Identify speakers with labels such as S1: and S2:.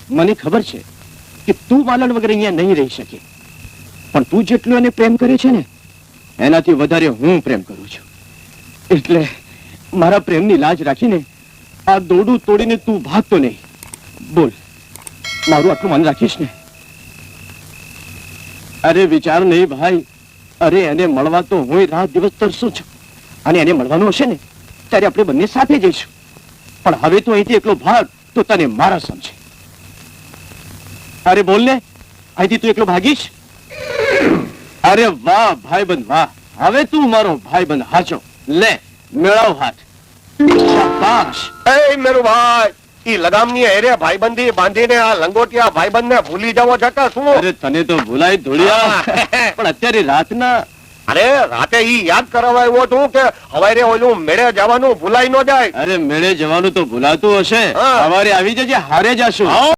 S1: મને ખબર છે કે તું માલણ વગર અહીંયા નહીં રહી શકે, પણ તું જેટલું એને પ્રેમ કરે છે ને એનાથી વધારે હું પ્રેમ કરું છું. એટલે મારા પ્રેમની લાજ રાખીને આ દોડું તોડીને તું ભાગતો નહીં. બોલ, મારું આટલું મન રાખીશ ને? અરે વિચાર નહીં ભાઈ, અરે એને મળવા તો હું રાત દિવસ તરસું છું, અને એને મળવાનું હશે ને ત્યારે આપણે બંને સાથે જઈશું. પણ હવે તો અહીંથી એકલો ભાગ તો તને મારા સમજે. અરે બોલ ને, અહીંથી તું એકલો ભાગીશ? અરે વાહ ભાઈબંધ વાહ, હવે તું મારો ભાઈબંધ હાચો. લે મેળાવ હાથ. શાબાશ.
S2: એ મેરું ભાઈ, ઈ લગામની હેરે ભાઈબંધી બાંધીને આ લંગોટિયા ભાઈબંધને ભૂલી જવો છે કે શું?
S1: અરે તને તો ભૂલાય ધોળિયા, પણ અત્યારે રાતના
S2: અરે રાતે ઈ યાદ કરાવાયો તું કે હવારે ઓલું મેળે જવાનું ભૂલાઈ ન જાય.
S1: અરે મેળે જવાનું તો ભૂલાતું હશે,
S2: હા.
S1: સવારે આવી જજે, હારે જશું.